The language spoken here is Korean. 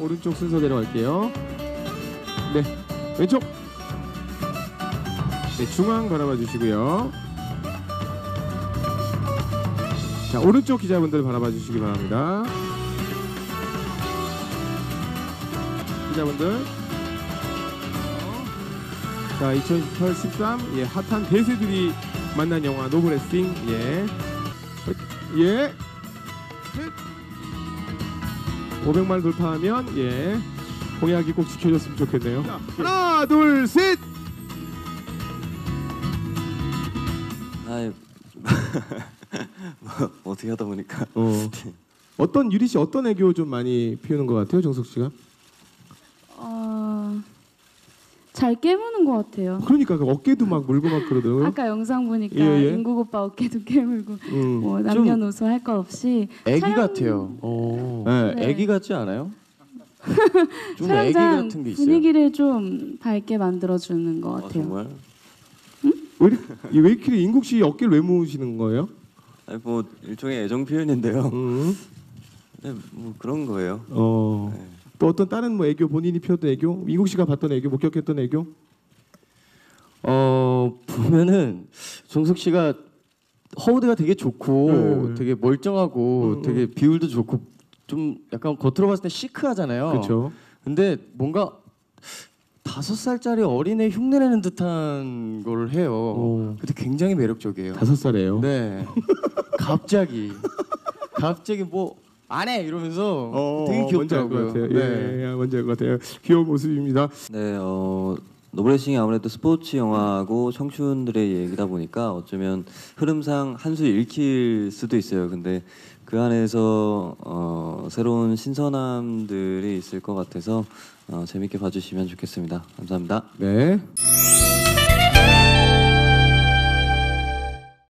오른쪽 순서 내려갈게요. 네, 왼쪽. 네, 중앙 바라봐 주시고요. 자, 오른쪽 기자분들 바라봐 주시기 바랍니다. 기자분들. 자, 2013 예, 핫한 대세들이 만난 영화 노브레싱. 예. 예. 500만 돌파하면 예. 공약이 꼭 지켜졌으면 좋겠네요. 자, 하나, 둘, 셋. 아이 뭐 어떻게 하다 보니까 어떤 유리 씨 어떤 애교 좀 많이 피우는 것 같아요, 정석 씨가? 잘 깨무는 것 같아요. 그러니까 그 어깨도 막 물고 막 그러더라고요. 아까 영상 보니까 예, 예. 인국 오빠 어깨도 깨물고 뭐 남녀노소 할 것 없이 애기 촬영... 같아요. 네, 네. 애기 같지 않아요? 좀 애기 촬영장 같은 게 있어요. 분위기를 좀 밝게 만들어주는 것 같아요. 정말? 왜 이렇게 인국 씨 어깨를 왜 모으시는 거예요? 아니 뭐 일종의 애정 표현인데요. 네, 뭐 그런 거예요. 네. 또 어떤 다른 뭐 애교 본인이 펴던 애교, 인국 씨가 봤던 애교, 목격했던 애교? 보면은 정석 씨가 허우대가 되게 좋고 되게 멀쩡하고 되게 비율도 좋고 좀 약간 겉으로 봤을 때 시크하잖아요. 그렇죠. 근데 뭔가 5살짜리 어린애 흉내내는 듯한 걸 해요. 근데 굉장히 매력적이에요. 5살이에요. 네. 갑자기 뭐 안 해 이러면서 되게 귀엽더라고요. 같아요. 네. 예, 뭔지 알 것 같아요. 귀여운 모습입니다. 네, 노브레싱이 아무래도 스포츠 영화고 청춘들의 얘기다 보니까 어쩌면 흐름상 한 수 읽힐 수도 있어요. 근데 그 안에서 새로운 신선함들이 있을 것 같아서 재밌게 봐주시면 좋겠습니다. 감사합니다. 네.